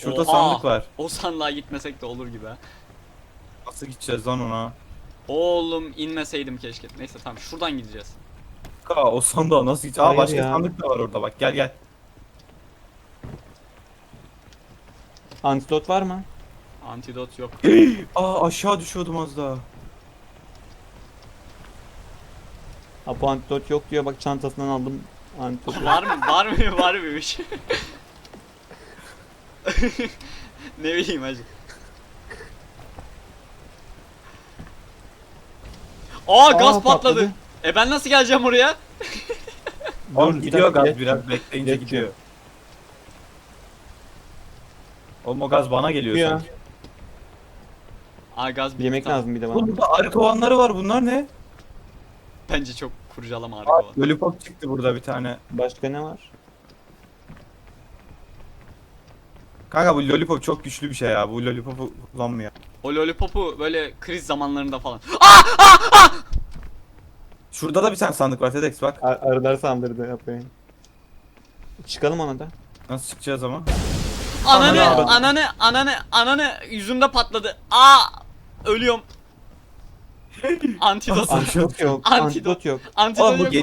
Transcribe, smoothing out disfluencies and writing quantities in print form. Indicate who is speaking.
Speaker 1: Şurada
Speaker 2: Oha!
Speaker 1: sandık var.
Speaker 2: O sandığa gitmesek de olur gibi ha.
Speaker 1: Nasıl gideceğiz lan ona?
Speaker 2: Oğlum inmeseydim keşke. Neyse tamam şuradan gideceğiz.
Speaker 1: O sandığa nasıl gideceğiz? Aa
Speaker 3: Hayır
Speaker 1: başka
Speaker 3: ya.
Speaker 1: sandık da var orada bak gel gel.
Speaker 3: Antidot var mı?
Speaker 2: Antidot yok.
Speaker 1: Aa aşağı düşüyordum az daha.
Speaker 3: Apo antidot yok diyor, bak çantasından aldım antidotu.
Speaker 2: Var mı? Var mı? Var mıymış? Ne bileyim hacı. Aa gaz patladı.
Speaker 3: patladı.
Speaker 2: Ben nasıl geleceğim oraya?
Speaker 1: Oğlum
Speaker 3: bir
Speaker 1: gidiyor
Speaker 3: dakika,
Speaker 1: gaz biraz bekleyince
Speaker 3: Geçiyor.
Speaker 1: gidiyor. Oğlum o gaz bana geliyor
Speaker 3: Ya.
Speaker 1: sanki.
Speaker 2: Aa gaz bitti,
Speaker 3: Yemek
Speaker 2: tamam.
Speaker 3: lazım bir de bana.
Speaker 1: Oğlum burada arı kovanları var bunlar ne?
Speaker 2: Bence çok kurcalama
Speaker 1: Aa,
Speaker 2: arka var.
Speaker 1: lollipop çıktı burada bir tane.
Speaker 3: Başka ne var?
Speaker 1: Kanka bu lollipop çok güçlü bir şey ya. Bu lollipopu kullanmıyor.
Speaker 2: O lollipopu böyle kriz zamanlarında falan.
Speaker 1: Şurada da bir tane sandık var TEDx bak.
Speaker 3: Arılar saldırdı yapayım. Çıkalım ona da.
Speaker 1: Nasıl çıkacağız ama?
Speaker 2: Ananı,
Speaker 1: Ananı.
Speaker 2: ananı yüzümde patladı. Aa! Ölüyorum. Antidot.
Speaker 3: Antidot yok.
Speaker 2: Antidot.
Speaker 3: Antidot yok.
Speaker 2: Antidot
Speaker 1: Oğlum bu
Speaker 2: yok.